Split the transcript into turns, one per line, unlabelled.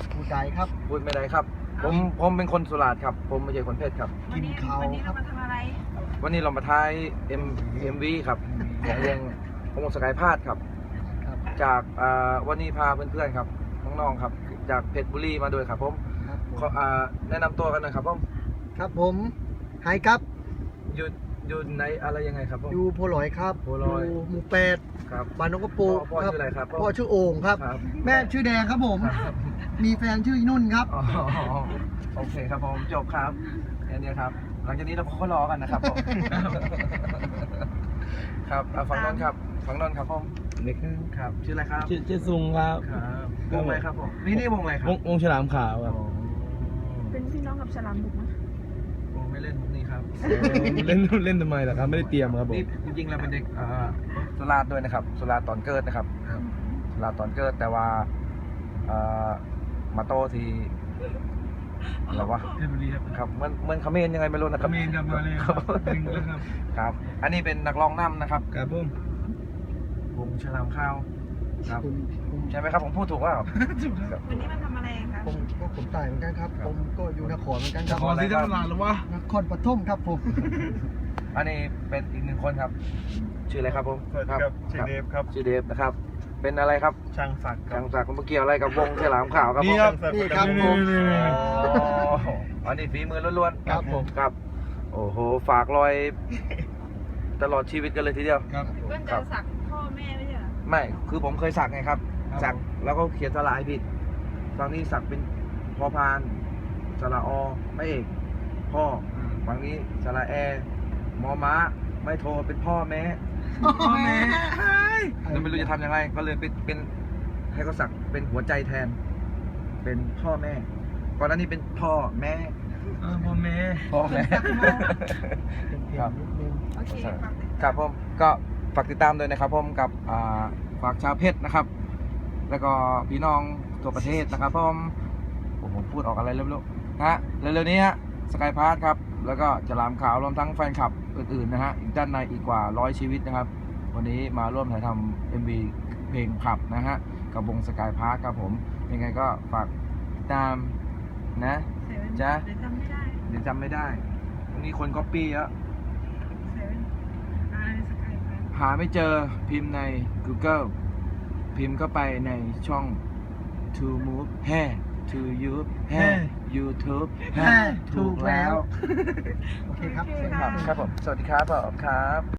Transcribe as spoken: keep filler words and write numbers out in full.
ผู้ใดครับ
พูดไม่ได้ครับ ผมผมเป็นคนสุราษฎร์ครับ ผมไม่ใช่คนเพชรครับ
กินเขา
วันนี้
ครั
เรา
บ
มาทำอะไร
วันนี้เรามาท้าย M เอ็ม วี ครับของวงวงสกายพาดครับ
ครับ
จากอ่าวันนี้พาเพื่อนๆครับน้องๆครับ จากเพชรบุรีมาด้วยครับผม
ครับผม
ขออ่าแนะนำตัวกันหน่อยครับผม
ครับผมไฮครับ
อยู่อยู่ในอะไรยังไงครับผม
อยู่โพลอยครับ
โพลอย
ยู่หมู่แปด
ครับ
บ้านนกกระปู
พ่อพ่อชื่ออะไรครับ
พ่อชื่อโอ่งครับ
ครับ
แม่ชื่อแดงครับผม
ครับ
มีแฟนชื่อนุ่นครับ
อ๋อโอเคครับผมจบครับแค่นี้ครับ หลังจากนี้เราก็รอกันนะครับผมครับอ่ะฝั่งนนท์ครับฝั่งนนท์ครับผม
เด็ก
ครับ ชื่ออะไรครับ
ชื่อชื่อซุงครับ
ครับวงอะไรครับผมนี่นี่วงอะไรครั
ว
บ
งวงฉลามขาวครับ
อ๋อ
เป็นพี่น้องกับฉลามบุกนะ
วงไม่เล่นมุกนี่ครับ
เล่นเล่นทำไมล่ะครับ ไม่ได้เตรียมครับผม
นี่จริงๆเราเป็นเด็กอ่าสุราษฎร์ด้วยนะครับสุราษฎร์ตอนเกิดนะครับสุราษฎร์ตอนเกิดแต่ว่าอ่ามาโตที่อะไรวะ
เพชรบุรีครับ
ครับเหมือนเหมือนเขมรยังไงไม่รู้นะครับ
เขมรครับมาเลยครับดึงแล้วครับ
ครับ อันนี้เป็นนักร้องนำนะครับ
ครับผม
วงฉลามข้าวครับ
ผมผม
ใช่ไหมครับผมพูดถูกว่า
วันนี้มาทำอะไรคะ
ผมก็ผมตายเหมือนกันครับ
ครับ
ผมก็อยู่นครเหมือนกันค
น
รับ
ครอะไรครับ
หรือวะ
นครปฐมครับผม
อันนี้เป็นอีกหนึ่งคนครับ ชื่ออะไรครับผม
สวัสดีครับชื่อเดฟครับ
ชื่อเดฟนะครับ เป็นอะไรครับ
ช่างศักดิ์ครั
จั
บ
งจากคุณเกี่ยวอะไรกับวงฉลามขาวครับผม
นี่ครับ
นี่ครับผม
อ๋ออันนี้ฝีมือล้วน
ครับผม
ๆครับ โอ้โหฝากรอย ตลอดชีวิตกันเลยทีเดียว
ครับ
เพื่อนจะสักพ่อแม่ไม่ใช่เหรอ
ไม่คือผมเคยสักไงครับ
ครับ
สักแล้วก็เขียนสลายผิดฝั่งนี้สักเป็นพอพานสระอไม่เอกพ่อฝั่งนี้สระแอมอม้าไม่โทรเป็นพ่อแม่พ่อแม่แล้วไม่รู้จะทำยังไงก็เลยเป็นเป็นให้เขาสักเป็นหัวใจแทน เป็นพ่อแม่ก่อนหน้านี้เป็นพ่อแม่
พ่อแม่
พ่อแม่
เป็นเพล
ครั
ง
บ
นิดนึง
โอเคฝากติด
ครับผมก็ฝากติดตามด้วยนะครับผมกับอ่าฝากชาวเพชรนะครับ แล้วก็พี่น้องทั่วประเทศนะครับผมผมผมพูดออกอะไรเร็วๆนะฮะเร็วๆนี้ฮะสกายพาร์ทครับแล้วก็ฉลามขาวรวมทั้งแฟนคลับอื่นๆนะฮะอีกด้านในอีกกว่าร้อยชีวิตนะครับ วันนี้มาร่วมถ่ายทำเอ็มวีเพลงขับนะฮะกับวงสกายพาร์ทครับผมยังไงก็ฝากติดตามนะ
เซเว่น
จ๊ะ
เดี๋ยวจำไม่ได้
เดี๋ยวจำไม่ได้วันนี้คนก๊อปปี้แล้ว
เซเว่นอ่าสกายไป
หาไม่เจอพิมพ์ใน Google พิมพ์เข้าไปในช่อง To Move แฮ่ To You แฮ่ YouTube แฮ่ถูกแล้ว
โอเคครับ
โอเค
ครับ
ค่ะ
ครับผม สวัสดีครับผมครับ